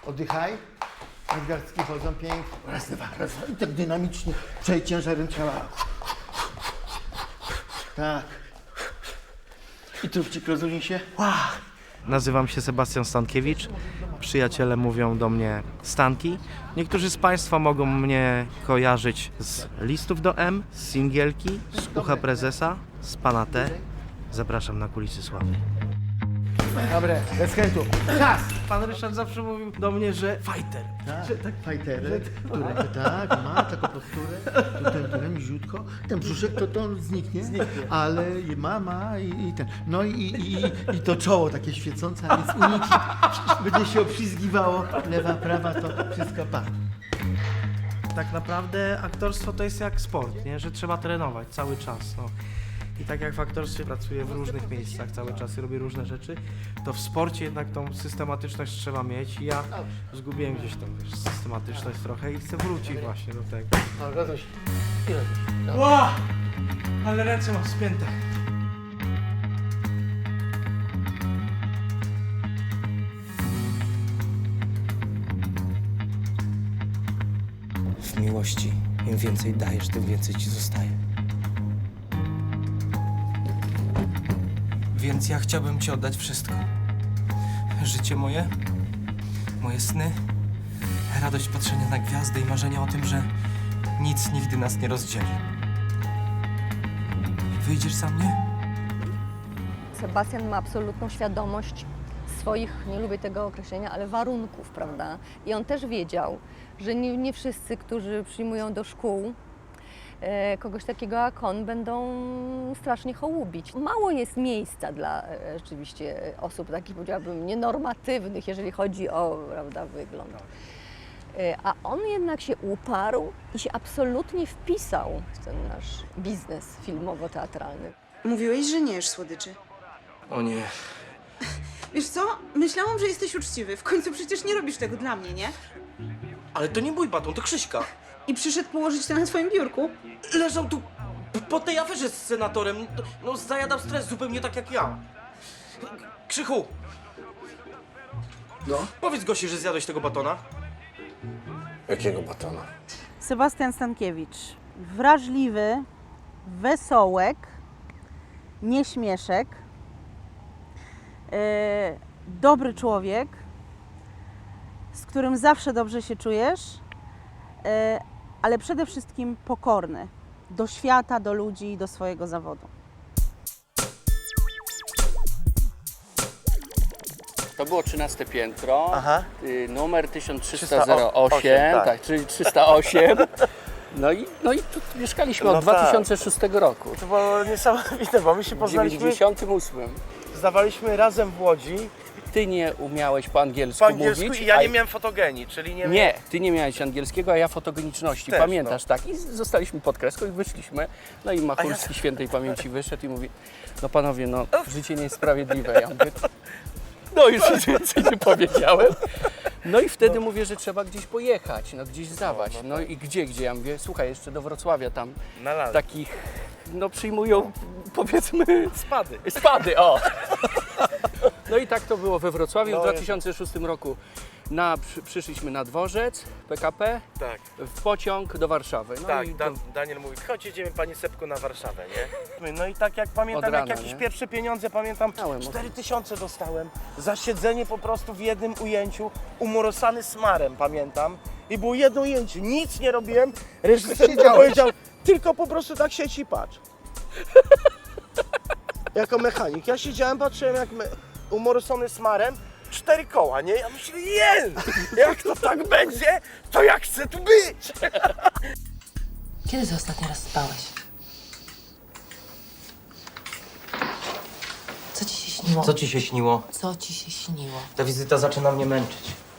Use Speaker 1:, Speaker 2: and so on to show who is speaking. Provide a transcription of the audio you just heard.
Speaker 1: Oddychaj. Nadgarstki chodzą pięknie. Raz, dwa. I tak dynamicznie. Przejdź ciężarem ciała. Tak. I trupcik rozluźnij się.
Speaker 2: Nazywam się Sebastian Stankiewicz. Przyjaciele mówią do mnie Stanki. Niektórzy z Państwa mogą mnie kojarzyć z Listów do M, z Singielki, z Ucha Prezesa, z Pana T. Zapraszam na kulisy sławy.
Speaker 1: Dobre, bez chętu. Czas!
Speaker 2: Pan Ryszard zawsze mówił do mnie, że fighter.
Speaker 1: Tak, fajterek, który tak, ma taką posturę, tutaj niziutko, ten brzuszek to on zniknie, ale ma i ten, no i to czoło takie świecące, a więc uniki, będzie się obślizgiwało, lewa, prawa, to wszystko pa.
Speaker 2: Tak naprawdę aktorstwo to jest jak sport, nie? Że trzeba trenować cały czas. No. I tak jak w aktorstwie pracuję w różnych miejscach cały czas i robię różne rzeczy, to w sporcie jednak tą systematyczność trzeba mieć. I ja zgubiłem gdzieś tą systematyczność trochę i chcę wrócić właśnie do tego.
Speaker 1: No, Raduś, i Raduś.
Speaker 2: Ła! Ale ręce mam spięte.
Speaker 3: W miłości im więcej dajesz, tym więcej ci zostaje. Więc ja chciałbym ci oddać wszystko. Życie moje, moje sny, radość patrzenia na gwiazdy i marzenia o tym, że nic nigdy nas nie rozdzieli. Wyjdziesz za mnie?
Speaker 4: Sebastian ma absolutną świadomość swoich, nie lubię tego określenia, ale warunków, prawda? I on też wiedział, że nie wszyscy, którzy przyjmują do szkół kogoś takiego jak on, będą strasznie hołubić. Mało jest miejsca dla rzeczywiście osób takich, powiedziałabym, nienormatywnych, jeżeli chodzi o, prawda, wygląd. A on jednak się uparł i się absolutnie wpisał w ten nasz biznes filmowo-teatralny.
Speaker 5: Mówiłeś, że nie jesz słodyczy.
Speaker 3: O nie.
Speaker 5: Wiesz co? Myślałam, że jesteś uczciwy. W końcu przecież nie robisz tego dla mnie, nie?
Speaker 3: Ale to nie mój baton, to Krzyśka.
Speaker 5: I przyszedł położyć to na swoim biurku.
Speaker 3: Leżał tu po tej aferze z senatorem. No, zajadał stres zupełnie tak jak ja. Krzychu!
Speaker 6: No?
Speaker 3: Powiedz Gosi, że zjadłeś tego batona.
Speaker 6: Jakiego batona?
Speaker 7: Sebastian Stankiewicz. Wrażliwy, wesołek, nieśmieszek, dobry człowiek, z którym zawsze dobrze się czujesz, ale przede wszystkim pokorny do świata, do ludzi i do swojego zawodu.
Speaker 8: To było 13 piętro,
Speaker 2: Aha.
Speaker 8: Numer 1308, tak, czyli 308. No i tu mieszkaliśmy od 2006 roku.
Speaker 2: To było niesamowite, bo my się
Speaker 8: W
Speaker 2: poznaliśmy,
Speaker 8: 98.
Speaker 2: zdawaliśmy razem w Łodzi
Speaker 8: Ty nie umiałeś po angielsku,
Speaker 2: po angielsku
Speaker 8: mówić.
Speaker 2: i ja nie miałem fotogenii, czyli
Speaker 8: Nie, ty nie miałeś angielskiego, a ja fotogeniczności.
Speaker 2: Też,
Speaker 8: Pamiętasz, tak? I zostaliśmy pod kreską i wyszliśmy. No i Machulski świętej pamięci wyszedł i mówi: no panowie, no życie nie jest sprawiedliwe. Ja mówię, no już nic więcej nie powiedziałem. No i wtedy mówię, że trzeba gdzieś pojechać, no gdzieś zdawać. No i gdzie? Ja mówię, słuchaj, jeszcze do Wrocławia tam
Speaker 2: na lalę.
Speaker 8: takich, no przyjmują, powiedzmy,
Speaker 2: Spady.
Speaker 8: o! No i tak to było we Wrocławiu w 2006 roku. Przyszliśmy na dworzec PKP,
Speaker 2: Tak,
Speaker 8: w pociąg do Warszawy. No
Speaker 2: tak.
Speaker 8: i
Speaker 2: Daniel mówi, chodź, jedziemy Pani Sepku na Warszawę, nie? No i tak jak pamiętam,
Speaker 8: Od rana,
Speaker 2: jak jakieś
Speaker 8: nie?
Speaker 2: pierwsze pieniądze, pamiętam,
Speaker 8: Miałem
Speaker 2: 4000 dostałem za siedzenie po prostu w jednym ujęciu, umorosany smarem, pamiętam. I było jedno ujęcie, nic nie robiłem, reżyser powiedział, tylko po prostu tak siedź i patrz. Jako mechanik. Ja siedziałem, patrzyłem jak umorosony smarem, 4 koła, nie? Ja myślę, jak to tak będzie, to ja chcę tu być.
Speaker 9: Kiedy ty ostatni raz spałeś? Co ci się śniło?
Speaker 3: Co ci się śniło?
Speaker 9: Co ci się śniło?
Speaker 3: Ta wizyta zaczyna mnie męczyć.